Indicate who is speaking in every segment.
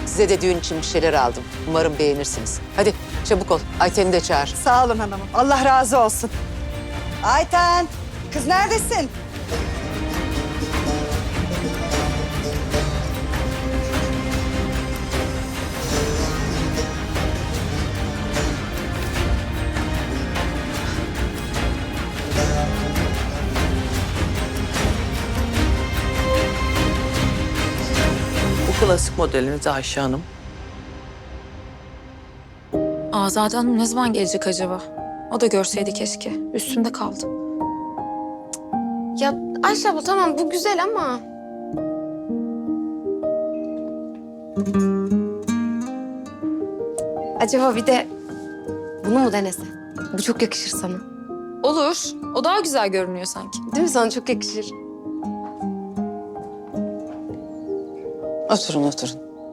Speaker 1: Size de düğün için bir şeyler aldım. Umarım beğenirsiniz. Hadi çabuk ol. Ayten'i de çağır.
Speaker 2: Sağ olun hanımım. Allah razı olsun. Ayten, kız neredesin?
Speaker 3: Bu klasik modeliniz Ayşe Hanım.
Speaker 4: Azade Hanım ne zaman gelecek acaba? O da görseydi keşke. Üstünde kaldı.
Speaker 5: Ya Ayşe abla tamam bu güzel ama... Acaba bir de bunu mu denese? Bu çok yakışır sana.
Speaker 4: Olur. O daha güzel görünüyor sanki.
Speaker 5: Değil mi, sana çok yakışır?
Speaker 1: Oturun, oturun.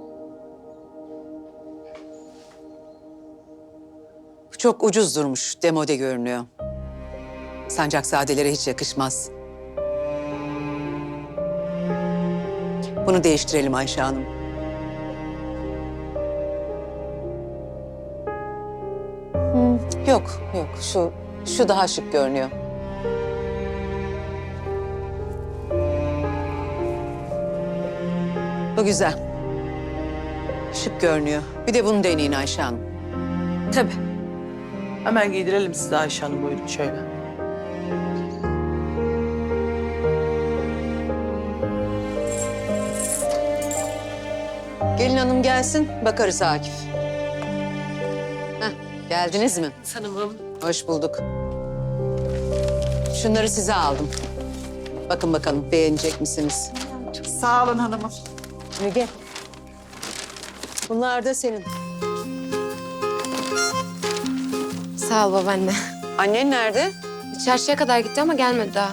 Speaker 1: Bu çok ucuz durmuş, demode görünüyor. Sancakzadelere hiç yakışmaz. Bunu değiştirelim Ayşe Hanım. Yok, yok. Şu daha şık görünüyor. Bu güzel. Şık görünüyor. Bir de bunu deneyin Ayşe Hanım.
Speaker 4: Tabii.
Speaker 3: Hemen giydirelim size Ayşe Hanım, buyurun şöyle.
Speaker 1: Gelin hanım gelsin, bakarız Akif. Heh, geldiniz mi?
Speaker 3: Hanımım.
Speaker 1: Hoş bulduk. Şunları size aldım. Bakın bakalım beğenecek misiniz?
Speaker 2: Sağ olun hanımım.
Speaker 1: Müge. Bunlar da senin.
Speaker 5: Sağ ol babaanne.
Speaker 1: Annen nerede?
Speaker 5: Çarşıya kadar gitti ama gelmedi daha.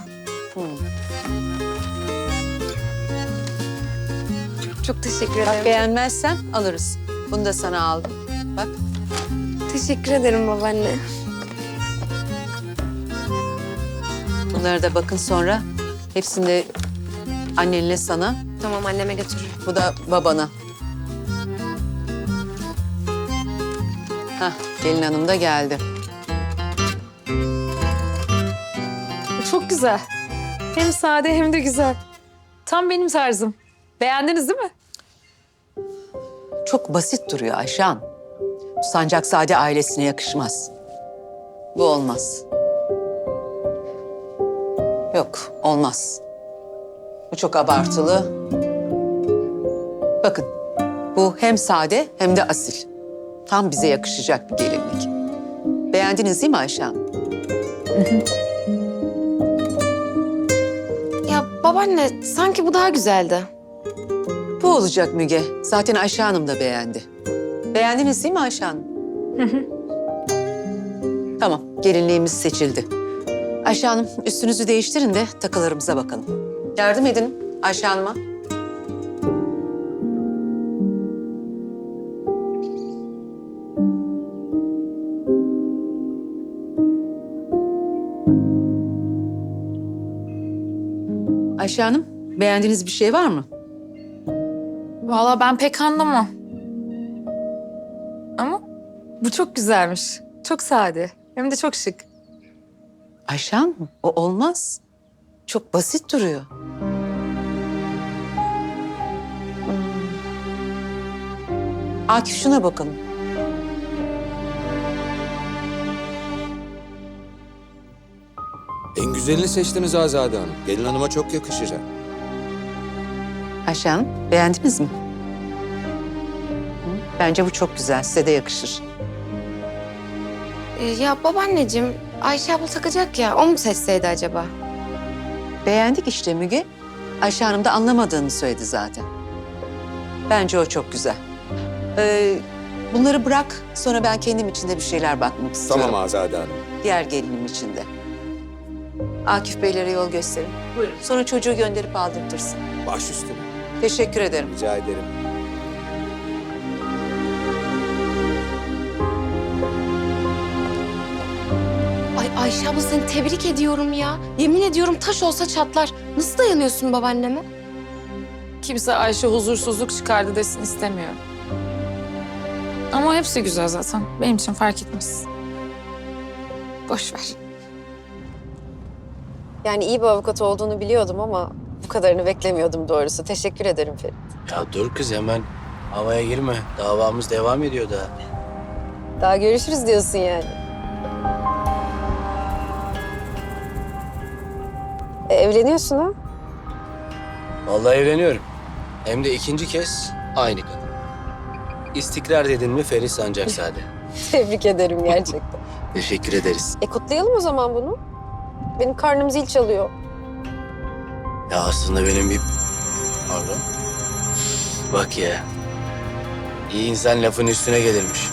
Speaker 5: Çok teşekkür ederim.
Speaker 1: Beğenmezsen alırız. Bunu da sana aldım. Bak.
Speaker 5: Teşekkür ederim babaanne.
Speaker 1: Bunları da bakın sonra. Hepsini de annenle sana.
Speaker 5: Tamam, anneme götürürüm.
Speaker 1: Bu da babana. Hah, gelin hanım da geldi.
Speaker 4: Çok güzel. Hem sade hem de güzel. Tam benim tarzım. Beğendiniz değil mi?
Speaker 1: Çok basit duruyor Ayşan. Bu Sancakzade ailesine yakışmaz. Bu olmaz. Yok, olmaz. Bu çok abartılı. Bakın, bu hem sade hem de asil. Tam bize yakışacak bir gelinlik. Beğendiniz değil mi Ayşan?
Speaker 5: Ya babaanne, sanki bu daha güzeldi.
Speaker 1: Bu olacak Müge. Zaten Ayşe Hanım da beğendi. Beğendiniz değil mi Ayşe Hanım? Tamam, gelinliğimiz seçildi. Ayşe Hanım, üstünüzü değiştirin de takılarımıza bakalım. Yardım edin Ayşe Hanım'a. Ayşe Hanım, beğendiğiniz bir şey var mı?
Speaker 4: Vallahi ben pek anlamam. Ama bu çok güzelmiş. Çok sade. Hem de çok şık.
Speaker 1: Ayşe Hanım, o olmaz. Çok basit duruyor. Akif şuna bakalım.
Speaker 6: En güzelini seçtiniz Azade Hanım. Gelin hanıma çok yakışacak.
Speaker 1: Ayşe Hanım, beğendiniz mi? Bence bu çok güzel, size de yakışır.
Speaker 5: Ya babaanneciğim, Ayşe abla takacak ya, o mu seçseydi acaba?
Speaker 1: Beğendik işte Müge. Ayşe Hanım da anlamadığını söyledi zaten. Bence o çok güzel. Bunları bırak, sonra ben kendim için de bir şeyler bakmak istiyorum.
Speaker 6: Tamam Azade Hanım.
Speaker 1: Diğer gelinim için de. Akif Beylere yol gösterin.
Speaker 3: Buyurun.
Speaker 1: Sonra çocuğu gönderip aldırtırsın.
Speaker 6: Baş üstüne.
Speaker 1: Teşekkür ederim.
Speaker 6: Rica ederim.
Speaker 5: Ay Ayşe abla, seni tebrik ediyorum ya. Yemin ediyorum taş olsa çatlar. Nasıl dayanıyorsun babaanneme?
Speaker 4: Kimse Ayşe huzursuzluk çıkardı desin istemiyorum. Ama hepsi güzel zaten. Benim için fark etmez. Boş ver.
Speaker 7: Yani iyi bir avukat olduğunu biliyordum ama bu kadarını beklemiyordum doğrusu. Teşekkür ederim Ferit.
Speaker 8: Ya dur kız hemen havaya girme. Davamız devam ediyor daha.
Speaker 7: Daha görüşürüz diyorsun yani. Evleniyorsun ha?
Speaker 8: Vallahi evleniyorum. Hem de ikinci kez aynı kadın. İstikrar dedin mi Ferit Sancaksade.
Speaker 7: Tebrik ederim gerçekten.
Speaker 8: Teşekkür ederiz.
Speaker 7: Kutlayalım o zaman bunu. Benim karnım zil çalıyor.
Speaker 8: Ya aslında benim bir... Pardon. Bak ya. İyi insan lafın üstüne gelirmiş.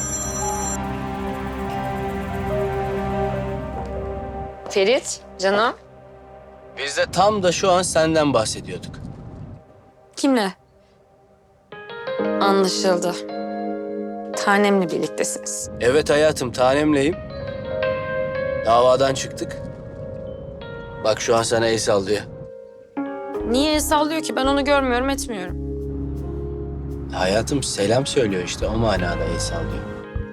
Speaker 5: Ferit, canım.
Speaker 8: Biz de tam da şu an senden bahsediyorduk.
Speaker 4: Kimle? Anlaşıldı. Tanemle birliktesiniz.
Speaker 8: Evet hayatım, tanemleyim. Davadan çıktık. Bak şu an sana el sallıyor.
Speaker 4: Niye el sallıyor ki? Ben onu görmüyorum, etmiyorum.
Speaker 8: Hayatım selam söylüyor işte, o manada el sallıyor.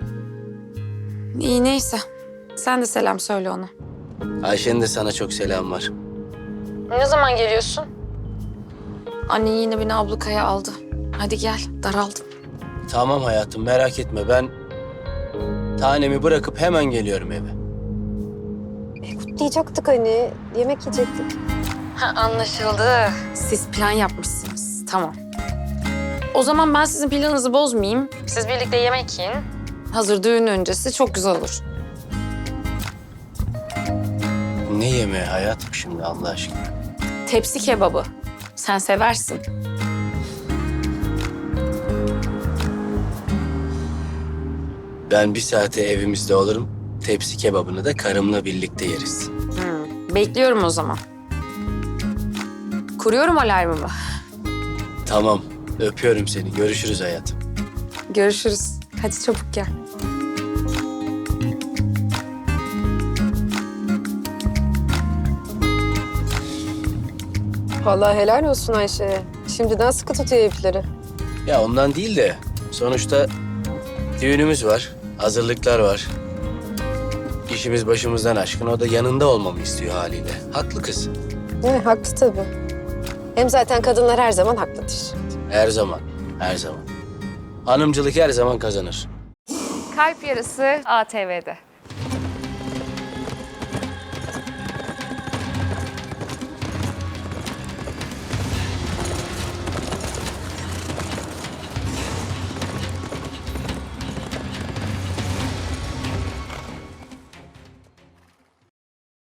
Speaker 4: İyi neyse. Sen de selam söyle ona.
Speaker 8: Ayşe'nin de sana çok selam var.
Speaker 4: Ne zaman geliyorsun? Annen yine beni ablukaya aldı. Hadi gel, daraldım.
Speaker 8: Tamam hayatım, merak etme, ben tanemi bırakıp hemen geliyorum eve.
Speaker 7: Kutlayacaktık hani. Yemek yiyecektik.
Speaker 4: Ha, anlaşıldı. Siz plan yapmışsınız. Tamam. O zaman ben sizin planınızı bozmayayım. Siz birlikte yemek yiyin. Hazır düğün öncesi çok güzel olur.
Speaker 8: Ne yemeği hayatım şimdi Allah aşkına?
Speaker 4: Tepsi kebabı. Sen seversin.
Speaker 8: Ben bir saate evimizde olurum. Tepsi kebabını da karımla birlikte yeriz.
Speaker 4: Bekliyorum o zaman. Kuruyorum alarmımı.
Speaker 8: Tamam, öpüyorum seni. Görüşürüz hayatım.
Speaker 4: Görüşürüz. Hadi çabuk gel.
Speaker 7: Vallahi helal olsun Ayşe'ye. Şimdiden sıkı tutuyor ipleri.
Speaker 8: Ya ondan değil de sonuçta düğünümüz var, hazırlıklar var. İşimiz başımızdan aşkın, o da yanında olmamı istiyor haliyle. Haklı kız.
Speaker 7: Haklı tabii. Hem zaten kadınlar her zaman haklıdır.
Speaker 8: Her zaman, her zaman. Hanımcılık her zaman kazanır.
Speaker 4: Kalp Yarısı ATV'de.